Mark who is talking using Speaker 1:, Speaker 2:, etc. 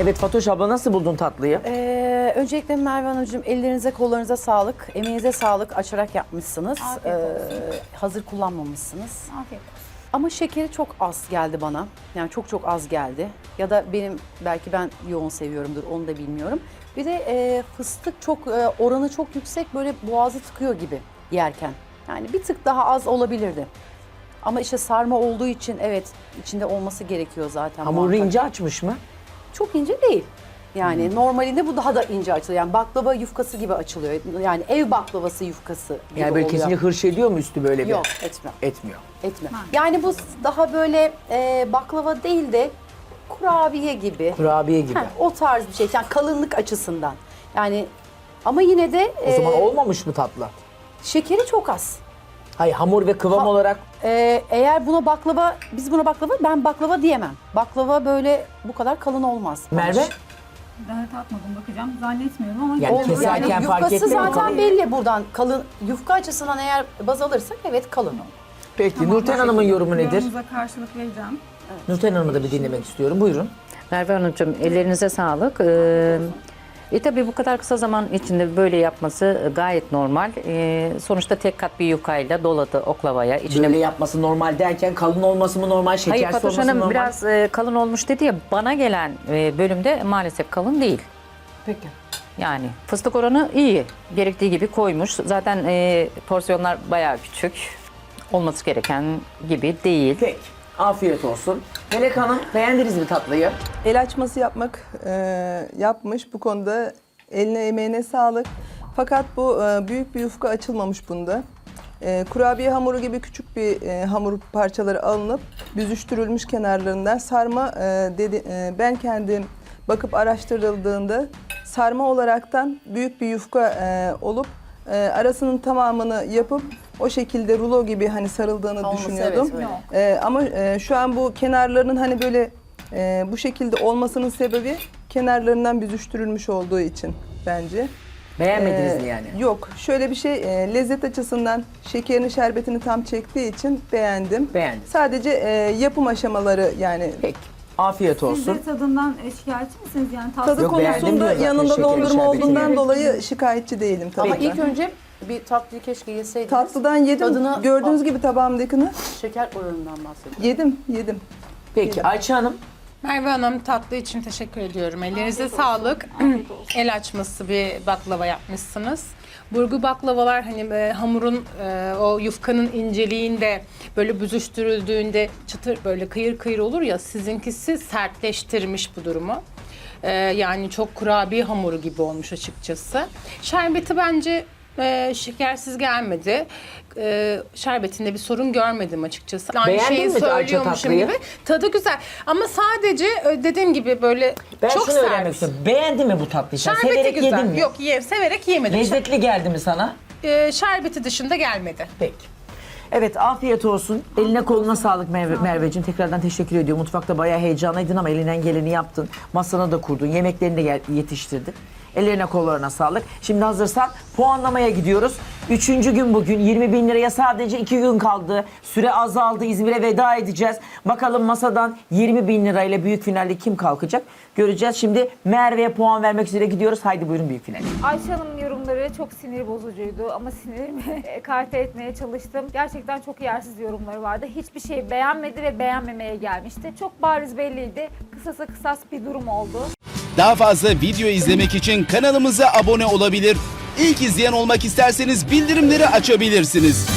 Speaker 1: Evet Fatoş abla, nasıl buldun tatlıyı?
Speaker 2: Öncelikle Merve Hanımcığım, ellerinize kollarınıza sağlık, emeğinize sağlık, açarak yapmışsınız.
Speaker 3: Afiyet olsun.
Speaker 2: Hazır kullanmamışsınız.
Speaker 3: Afiyet olsun.
Speaker 2: Ama şekeri çok az geldi bana. Yani çok az geldi. Ya da belki ben yoğun seviyorumdur, onu da bilmiyorum. Bir de fıstık oranı çok yüksek, böyle boğazı tıkıyor gibi yerken. Yani bir tık daha az olabilirdi. Ama işte sarma olduğu için evet, içinde olması gerekiyor zaten.
Speaker 1: Hamuru
Speaker 2: muhakkak.
Speaker 1: ince açmış mı?
Speaker 2: Çok ince değil. Yani normalinde bu daha da ince açılıyor. Yani baklava yufkası gibi açılıyor. Yani ev baklavası yufkası gibi
Speaker 1: Yani böyle
Speaker 2: oluyor.
Speaker 1: kesince hırş ediyor mu üstü böyle bir?
Speaker 2: Yok, etmem.
Speaker 1: Etmiyor.
Speaker 2: Yani bu daha böyle baklava değil de kurabiye gibi.
Speaker 1: Kurabiye gibi.
Speaker 2: O tarz bir şey. Yani kalınlık açısından. Yani ama yine de
Speaker 1: O zaman olmamış mı tatlı?
Speaker 2: şekeri çok az.
Speaker 1: Hayır, hamur ve kıvam olarak
Speaker 2: Eğer biz buna baklava, ben baklava diyemem. Baklava böyle bu kadar kalın olmaz.
Speaker 1: Merve?
Speaker 3: Daha tatmadım, bakacağım. Zannetmiyorum ama...
Speaker 1: Yani
Speaker 3: olur.
Speaker 1: keserken
Speaker 2: Yani
Speaker 1: fark
Speaker 2: yufkası
Speaker 1: etmiyor mu?
Speaker 2: zaten belli buradan. Kalın, yufka açısından eğer baz alırsak evet kalın.
Speaker 1: Peki
Speaker 3: Tamam,
Speaker 1: Nurten Hanım'ın yorumu nedir?
Speaker 3: Yorumunuza karşılık vereceğim.
Speaker 1: Nurten Hanım'ı da bir dinlemek istiyorum. Buyurun.
Speaker 4: Merve Hanımcığım, ellerinize sağlık. Tabii bu kadar kısa zaman içinde böyle yapması gayet normal. Sonuçta tek kat bir yufkayla doladı oklavaya. İçine...
Speaker 1: Böyle yapması normal derken kalın olması mı normal,
Speaker 4: Hayır,
Speaker 1: şekersiz
Speaker 4: Fatoş
Speaker 1: olması mı
Speaker 4: Hanım
Speaker 1: normal?
Speaker 4: biraz kalın olmuş dedi ya, bana gelen bölümde maalesef kalın değil.
Speaker 1: Peki.
Speaker 4: Yani fıstık oranı iyi, gerektiği gibi koymuş. Zaten porsiyonlar bayağı küçük. Olması gereken gibi değil.
Speaker 1: Peki. Afiyet olsun. Melek Hanım, beğendiniz mi tatlıyı?
Speaker 5: El açması yapmış. Bu konuda eline emeğine sağlık. Fakat bu büyük bir yufka açılmamış bunda. Kurabiye hamuru gibi küçük bir hamur parçaları alınıp büzüştürülmüş kenarlarından sarma ben kendim bakıp araştırıldığında sarma olaraktan büyük bir yufka olup arasının tamamını yapıp o şekilde rulo gibi hani sarıldığını
Speaker 2: Olması,
Speaker 5: düşünüyordum.
Speaker 2: evet, öyle.
Speaker 5: Ama şu an bu kenarlarının hani böyle bu şekilde olmasının sebebi kenarlarından büzüştürülmüş olduğu için bence.
Speaker 1: Beğenmediniz mi yani?
Speaker 5: Yok. Şöyle bir şey, lezzet açısından şekerini, şerbetini tam çektiği için beğendim.
Speaker 1: Beğendim.
Speaker 5: Sadece yapım aşamaları yani
Speaker 1: Peki. Afiyet
Speaker 3: Siz
Speaker 1: olsun.
Speaker 3: de tadından şikayetçi misiniz? Yani
Speaker 5: tadı
Speaker 1: Yok, beğendim diyor
Speaker 5: konusunda
Speaker 1: zaten,
Speaker 5: yanında
Speaker 1: şekeri,
Speaker 5: dondurma
Speaker 1: şerbeti.
Speaker 5: olduğundan dolayı şikayetçi değilim tabii
Speaker 2: Ama
Speaker 5: ki.
Speaker 2: ilk önce bir tatlıyı keşke yeseydiniz.
Speaker 5: Tatlıdan yedim.
Speaker 2: Tadını-
Speaker 5: Gördüğünüz gibi tabağımdakini
Speaker 2: Şeker oranından bahsediyorum.
Speaker 5: yedim.
Speaker 1: Peki Ayça Hanım,
Speaker 6: Merve Hanım, tatlı için teşekkür ediyorum. Ellerinize sağlık. El açması bir baklava yapmışsınız. Burgu baklavalar hani hamurun o yufkanın inceliğinde böyle büzüştürüldüğünde çıtır böyle kıyır kıyır olur ya, sizinkisi sertleştirmiş bu durumu. Yani çok kurabiye hamuru gibi olmuş açıkçası. Şerbeti bence şekersiz gelmedi. Şerbetinde bir sorun görmedim açıkçası. Aynı
Speaker 1: Beğendin
Speaker 6: şeyi
Speaker 1: mi Ayça
Speaker 6: söylüyormuşum
Speaker 1: tatlıyı?
Speaker 6: gibi. Tadı güzel ama sadece dediğim gibi böyle
Speaker 1: ben
Speaker 6: çok
Speaker 1: şunu öğrenmek
Speaker 6: sert.
Speaker 1: istiyorum. Beğendin mi bu tatlıyı? Sen
Speaker 6: Şerbeti
Speaker 1: severek
Speaker 6: güzel.
Speaker 1: yedin mi?
Speaker 6: Yok, severek yemedim.
Speaker 1: Lezzetli geldi mi sana?
Speaker 6: Şerbeti dışında gelmedi.
Speaker 1: Peki. Evet, afiyet olsun. Eline koluna sağlık Merveciğim. Tekrardan teşekkür ediyorum. Mutfakta bayağı heyecanlıydın ama elinden geleni yaptın. Masana da kurdun. Yemeklerini de yetiştirdin. Ellerine kollarına sağlık. Şimdi hazırsan puanlamaya gidiyoruz. 3. gün bugün. 20.000 liraya sadece 2 gün kaldı. Süre azaldı. İzmir'e veda edeceğiz. Bakalım masadan 20.000 lirayla büyük finalde kim kalkacak? Göreceğiz. Şimdi Merve'ye puan vermek üzere gidiyoruz. Haydi buyurun büyük finale.
Speaker 7: Ayşe Hanım'ın yorumları çok sinir bozucuydu ama sinirimi ekarte etmeye çalıştım. Gerçekten çok yersiz yorumları vardı. Hiçbir şey beğenmedi ve beğenmemeye gelmişti. Çok bariz belliydi. Kısasa kısas bir durum oldu.
Speaker 8: Daha fazla video izlemek için kanalımıza abone olabilir. İlk izleyen olmak isterseniz bildirimleri açabilirsiniz.